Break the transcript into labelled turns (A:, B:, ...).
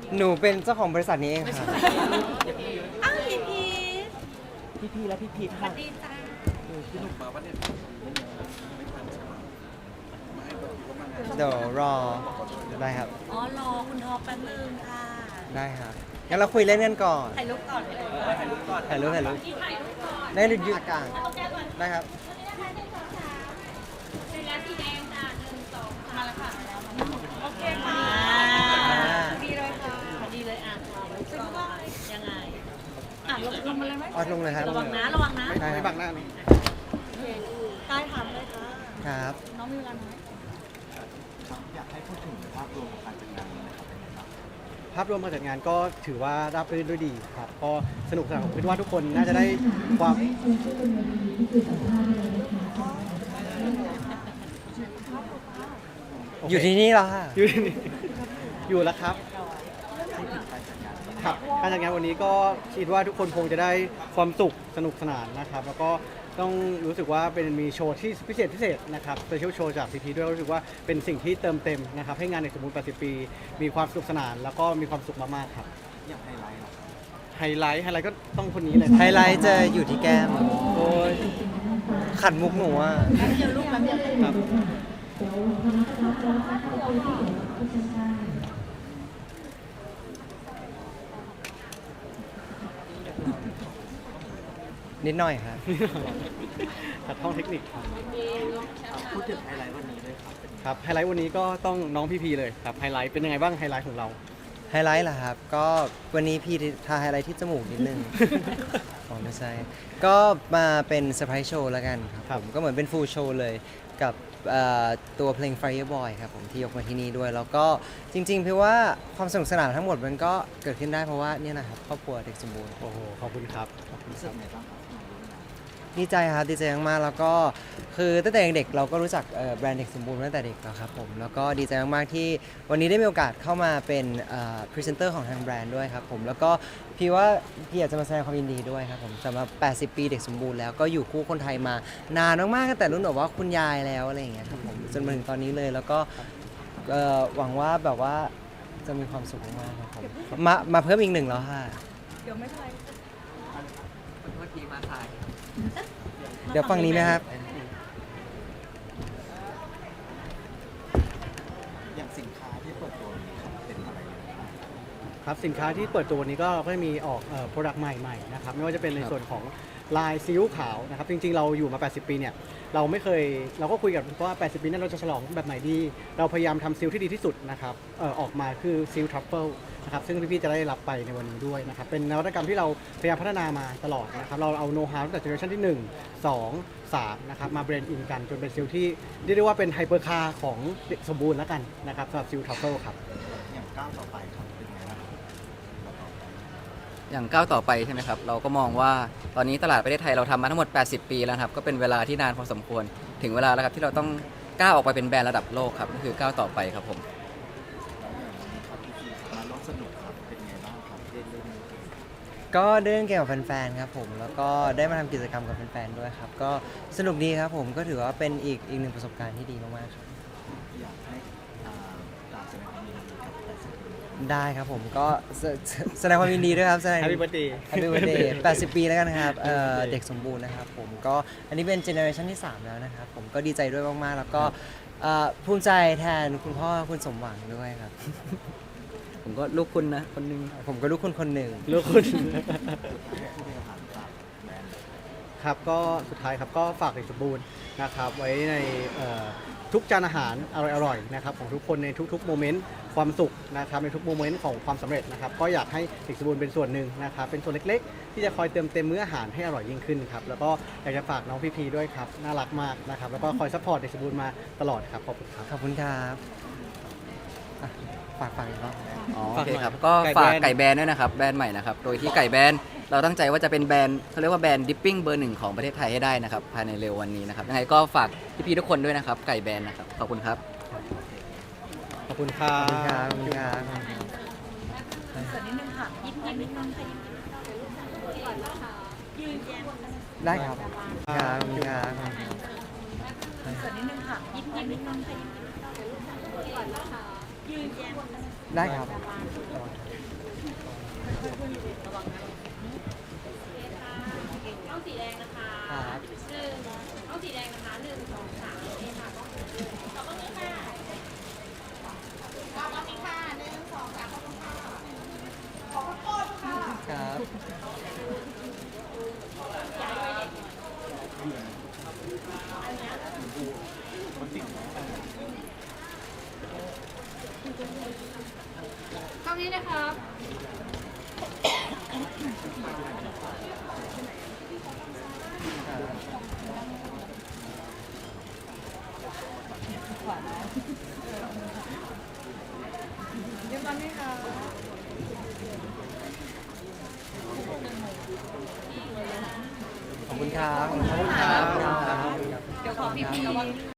A: หนูเป็นเจ้าของบริษัทนี้เองค่ะ
B: อ้าวพี
C: พี่และพี่พีท
B: สวั
C: ค่ะ
B: สดีจ้า
D: พี่หนุ่มมาวันนี้ไม่ทันใช่ไหมไม่ให้ตัวคิดว่ามันไง
A: เดี๋ยวรอได้ครับ
B: อ๋อรอคุณท็อปแป๊บนึงค่ะ
A: ได้ครับงั้นเราคุยเล่นกันก่อน
B: ถ่ายรูปก่อนเลย
A: ถ่ายรูปได้หยุดยืดอากาศได้ครับ
B: มาแล้วค่ะโอเคค่ะดีเลยค่ะดีเลยอ่ะซึ่งก็ยังไงอ่ะลงมาเลยไหม
A: ออดลงเลยครับ
B: ระวังนะระวังนะ
A: ได้
D: ไม่
A: ค
D: บั
A: รับ
D: งหน้านี่
B: ใกล้ทำเลยค่ะ
A: ครับ
B: น้องมีเวลาน้อย
C: อยากให้พูดถึงภาพรวมของการจัดงานนี้นะครับเป็นไงบ้าง
E: ภาพรวมการจัดงานก็ถือว่าราบรื่นด้วยดีครับก็สนุกสนานผมคิดว่าทุกคนน่าจะได้ความ
A: อยู่ที่นี่เหรอค่ะ
E: อยู่แล้วครับครับการจัดงานวันนี้ก็คิดว่าทุกคนคงจะได้ความสุขสนุกสนานนะครับ แล้วก็ต้องรู้สึกว่าเป็นมีโชว์ที่พิเศษนะครับสเปเชียลโชว์จากซีพีด้วยรู้สึกว่าเป็นสิ่งที่เติมเต็มนะครับให้งานในสมบูรณ์80 ปี มีความสนุกสนาน แล้วก็มีความสุขมากๆครับ
C: อย่างไฮไลท์เหรอ
E: ไฮไลท์ก็ต้องคนนี้เลย
A: ไฮไลท์จะอยู่ที่แก้ม
E: โอ้ย
A: ขัดมุกหนูอ่ะ
B: เดี๋ยวลูกแป๊บเดียว
E: ครับ
A: นิดหน่อยครับ
E: ขัดห้องเทคนิคครับ
C: พูดถึงไฮไลท์วันนี้ด้วยครับเป็น
E: ครับไฮไลท์วันนี้ก็ต้องน้องพี่พีเลยครับไฮไลท์เป็นยังไงบ้างไฮไลท์ของเรา
A: ไฮไลท์เหรอครับ ก็วันนี้พี่ทาไฮไลท์ที่จมูกนิดนึง อ๋อไม่ใช่ ก็มาเป็นเซอร์ไพรส์โชว์แล้วกันครับผมก็เหมือนเป็นฟูลโชว์เลยกับตัวเพลง Fireboy ครับผมที่ยกมาที่นี่ด้วย แล้วก็จริงๆพี่ว่าความสนุกสนานทั้งหมดมันก็เกิดขึ้นได้เพราะว่าเนี่ยนะครับครอบครัวเด็กสมบูรณ์
E: โอ้โหขอบคุณครับขอบคุณ
C: รู้
E: ค
C: สึ
E: รั
C: ก
E: บ
C: ไงบ้างครับ
A: ดีใจครับดีใจมากๆแล้วก็คือตั้งแต่เด็กๆเราก็รู้จักแบรนด์เด็กสมบูรณ์มาตั้งแต่เด็กแล้วครับผมแล้วก็ดีใจมากๆที่วันนี้ได้มีโอกาสเข้ามาเป็นพรีเซนเตอร์ของทางแบรนด์ด้วยครับผมแล้วก็พี่ว่าพี่อยากจะมาแสดงความยินดีด้วยครับผมสำหรับ 80 ปีเด็กสมบูรณ์แล้วก็อยู่คู่คนไทยมานานมากๆตั้งแต่รุ่นแบบว่าคุณยายแล้วอะไรอย่างเงี้ยครับผมจนมาถึงตอนนี้เลยแล้วก็หวังว่าแบบว่าจะมีความสุขมากๆครับผมมาเพิ่มอีกหนึ่งแล้วค่ะ
B: เดี๋ยวไม่เป็นไร
A: เมื่อกี้มาถ่ายเดี๋ยวฝั่งนี้ไหมครับ
C: อย่างสินค้าที่เปิดตัวนี้ครับเป็นอะไรบ้าง
E: ครับสินค้าที่เปิดตัววันนี้ก็เราก็จะมีออกโปรดักต์ใหม่ๆนะครับไม่ว่าจะเป็นในส่วนของลายซีอิ๊วขาวนะครับจริงๆเราอยู่มา 80 ปีเนี่ยเราไม่เคยเราก็คุยกันว่า 80 ปีนั้นเราจะฉลองแบบไหนดี เราพยายามทำซีอิ๊วที่ดีที่สุดนะครับออกมาคือซีอิ๊วทรัฟเฟิลนะครับซึ่งพี่ๆจะได้รับไปในวันนี้ด้วยนะครับเป็นนวัตกรรมที่เราพยายามพัฒนามาตลอดนะครับเราเอาโน้ตฮาวตั้งแต่เจเนอเรชันที่ 1 2 3นะครับมาเบรนด์อินกันจนเป็นซีอิ๊วที่เรียกได้ว่าเป็นไฮเปอร์คาร์ของเด็กสมบูรณ์แล้วกันนะครับสำหรับซีอิ๊วทรัฟเฟิลครับ
C: อย่างก้าวต่อไปครับเป็นไงบ้างครับ
F: อย่างก้าวต่อไปใช่ไหมครับ เราก็มองว่าตอนนี้ตลาดประเทศไทยเราทำมาทั้งหมด 80 ปีแล้วครับ ก็เป็นเวลาที่นานพอสมควร ถึงเวลาแล้วครับที่เราต้องก้าวออกไปเป็นแบรนด์ระดับโลกครับก็คือก้าวต่อไปครับผม
C: แล้วอย่างวันนี้ครับพี่พีมาร่วมสนุกครับเป็นไงบ้างครับได้เล่นเกม
A: ก็ได้เล่นเกมกับแฟนๆครับผมแล้วก็ได้มาทำกิจกรรมกับแฟนๆด้วยครับก็สนุกดีครับผมก็ถือว่าเป็นอีกหนึ่งประสบการณ์ที่ดีมากๆครับ
C: อยากให้กล่าวแสดงความยินดีกับ80 ปี
A: ได้ครับผมก็แสดงความยินดีด้วยครับแสดง
E: Happy Birthday
A: Happy Birthday 80 ปีแล้วกันครับเด็กสมบูรณ์นะครับผมก็อันนี้เป็นเจเนอเรชันที่ 3 แล้วนะครับผมก็ดีใจด้วยมากๆแล้วก็ภูมิใจแทนคุณพ่อคุณสมหวังด้วยครับ
F: ผมก็ลูกคุณนะคนหนึง
A: ผมก็ลูกคุณคนหนึ่ง
E: ลูกคุณ
C: ผู้บริหารฝากแบรนด์
E: ครับก็สุดท้ายครับก็ฝากเด็กสมบูรณ์นะครับไว้ในทุกจานอาหารอร่อยๆนะครับของทุกคนในทุกๆโมเมนต์ความสุขนะครับในทุกโมเมนต์ของความสำเร็จนะครับก็อยากให้เด็กสมบูรณ์เป็นส่วนหนึ่งนะครับเป็นส่วนเล็กๆ ที่จะคอยเติมเต็มมื้ออาหารให้อร่อยยิ่งขึ้นครับแล้วก็อยากจะฝากน้องพีด้วยครับน่ารักมากนะครับแล้วก็คอยซัพพอร์ตเด็กสมบูรณ์มาตลอดครับขอบคุณครับ
A: ขอบคุณครับอ่ะฝากอีกรอบ
F: อ๋อ
E: ฝา
F: โอก
E: หน่
F: เค
E: อย
F: ครับก็
E: ไก่
F: ฝาก
E: แบรนด์
F: ไก่แบรนด์ด้วยนะครับแบรนด์ใหม่นะครับโดยที่ไก่แบรนด์เราตั้งใจว่าจะเป็นแบรนด์เขาเรียกว่าแบรนด์ดิปปิ้งเบอร์ 1ของประเทศไทยให้ได้นะครับภายในเร็ววันนี้นะครับยังไงก็ฝากพี่ๆทุกคนด้วยนะครับไก่แบรนด์นะครับขอบคุณครับ
E: ขอบคุณครั
A: ขอบคุณครับ
E: บ
A: ขอบคุณครับ
B: ส่วนนิดนึงค่ะยิ้มนิดนึงค่ะยืนแย้ม
A: ได้ครับครับขอบคุณครับ
B: ส่วนนิดนึงค่ะยิ้มนิดนึงค่ะยืนแย้ม
A: ได้ครับ
B: ต้องสีแดงนะคะ
A: ครับ
B: ต้องสีแดงนะคะ1 2 3โอเคค่ะขอบคุณค่ะขอบคุณค่ะ1 2 3ขอบคุณค่ะขอบคุณค่ะ
A: ครับ
B: ข้างนี้นะครับ เรียบร้อยไหมคะ
A: ขอบคุณครับ ขอบคุณครับ
B: เดี๋ยวขอพี่